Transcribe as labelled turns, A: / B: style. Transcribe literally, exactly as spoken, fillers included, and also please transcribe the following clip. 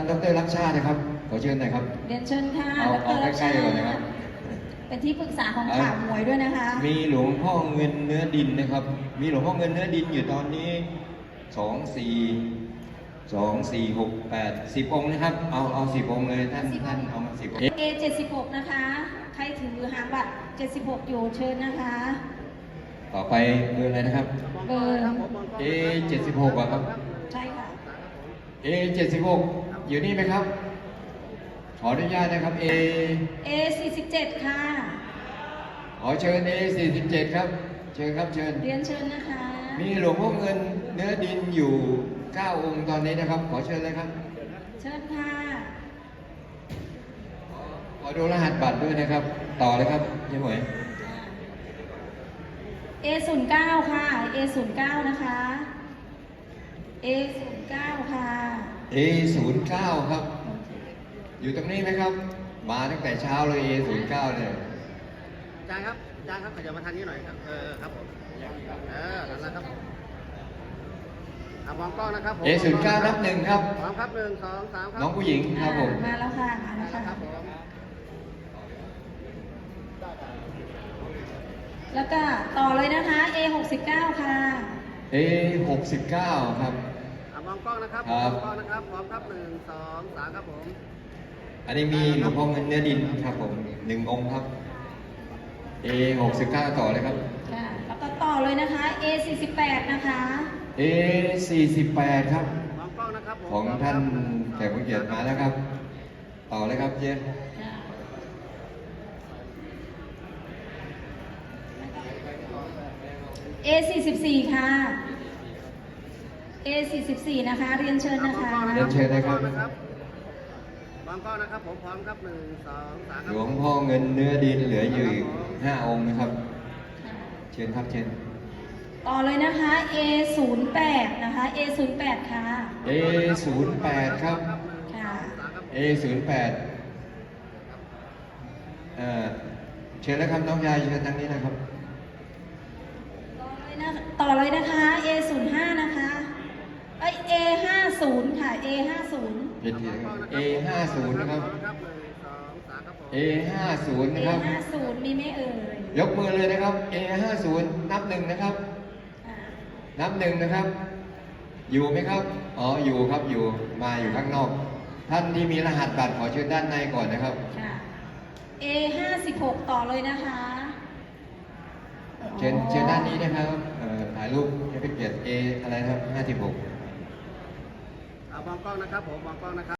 A: ดรรักชาตินะครับขอเชิญหน่อยครับ
B: เรียนเชิญค่ะ
A: เอา
B: ด
A: เอา
B: รรัก
A: ใกล้
B: ชา
A: ๆก่อน
B: ติ
A: นะครับ
B: เป็นที่ปรึกษาของข่าวมวยด้วยนะคะ
A: มีหลวงพ่อเงินเนื้อดินนะครับ มีหลวงพ่อเงินเนื้อดินอยู่ตอนนี้สองสี่สองสี่หกแปดสิบองค์นะครับ เอาเอาสิบองค์เลยท่านท่านเอามาสิบองค์
B: เอเจ็ดสิบหกนะคะ ใครถือหางบัตรเจ็ดสิบหกอยู่เชิญนะคะ
A: ต่อไปเบอร์อะไรนะครับ
B: เบอร์
A: เอเจ็ดสิบหกครับ
B: ใช่ค่ะ
A: เอเจ็ดสิบหกอยู่นี่ไหมครับ ขออนุญาตนะครับ A
B: เอสี่สิบเจ็ดค่ะ
A: ขอเชิญ A สี่สิบเจ็ดครับ เชิญครับเชิญ
B: เรียนเชิญนะคะ
A: มีหลวงพ่อเงินเนื้อดินอยู่เก้าองค์ตอนนี้นะครับ ขอเชิญเลยครับ
B: เชิญค่ะ
A: ขอดูรหัสบัตรด้วยนะครับ ต่อเลยครับยังหมวย
B: เอศูนย์เก้าค่ะ เอศูนย์เก้านะคะ เอศูนย์เก้าค่ะ
A: เอศูนย์เก้าครับ อยู่ตรงนี้ไหมครับ มาตั้งแต่เช้าเลย เอศูนย์เก้าเนี่ย
C: อาจารย์ครับอาจารย์ครับขยับมาทางนี้หน่อยครับ เออครับผมเออนั่นแหละครับอ่ะมองกล้องนะครับผม
A: เอศูนย์เก้านับหนึ่งครับ
C: พร้อมครับหนึ่งสองสามครับ
A: น้องผู้หญิงครับผม
B: มาแล้วค่ะ มาแล้ว
C: ครั
B: ค่ะ
C: บผม
B: แล้วก็ต่อเลยนะคะ เอหกสิบเก้าค่ะ
A: เอหกสิบเก้าครับ
C: อ่ะมองกล้องนะครับ
A: ครับ
C: มองกล้องนะครับพร้อมครับหนึ่งสองสามครับผม
A: อันนี้มีหลวงพ่อเงินเนื้อดินครับผมหนึ่งองค์ครับ เอหกสิบเก้าต่อเลยครับ
B: ค่ะ แล้วก็ต่อเลยนะคะ เอสี่สิบแปดนะคะ
A: เอสี่สิบแปดครับ
C: มองกล้องนะครับผม
A: ของท่านแขกผู้เกียรติมาแล้วครับ ต่อเลยครับเจ๊
B: ค่ะ เอสี่สิบสี่ค่ะ เอสี่สิบสี่นะคะ เรียนเชิญนะคะ
A: เรียนเชิญนะครับ
C: มองกล้องนะครับผมพร้อมครับหนึ่งสองสามค
A: ห
C: รับ
A: ลวงพ่อเงินเนื้อดินเหลืออยู่อีกห้าองค์นะครับ เชิญครับเชิญ
B: ต่อเลยนะคะ เอศูนย์แปดนะคะ เอศูนย์แปดค่ะ
A: เอศูนย์แปดครับ
B: ค่ะ
A: เอศูนย์แปดเอ่อเชิญแล้วครับน้องยายเชิญทางนี้นะครับ
B: ต่อเลยนะต่อเลยนะคะ เอศูนย์ห้านะคะเอ้ย เอห้าศูนย์ค่ะ เอห้าศูนย์
A: ผิดผิดครับ เอห้าศูนย์นะครับ
C: พร้อมครับหนึ่งสองสามครับผม
A: เอห้าศูนย์
B: เอ
A: นะครับ
B: ห้าศูนย์มีไหมเอ่ย
A: ยกมือเลยนะครับ เอห้าศูนย์นับหนึ่งนะครับ
B: อ่า
A: นับหนึ่งนะครับ อยู่ไหมครับ อ๋อ อยู่ครับ อยู่ มาอยู่ข้างนอก ท่านที่มีรหัสบัตรขอเชิญด้านในก่อนนะครับ
B: ค่ะ เอห้าสิบหกต่อเลยนะคะ
A: เชิญเชิญด้านนี้นะครับเอ่อถ่ายรูปให้เป็นเกียรติ A อะไรนะครับห้าสิบหก
C: อ่ะมองกล้องนะครับผมมองกล้องนะครับ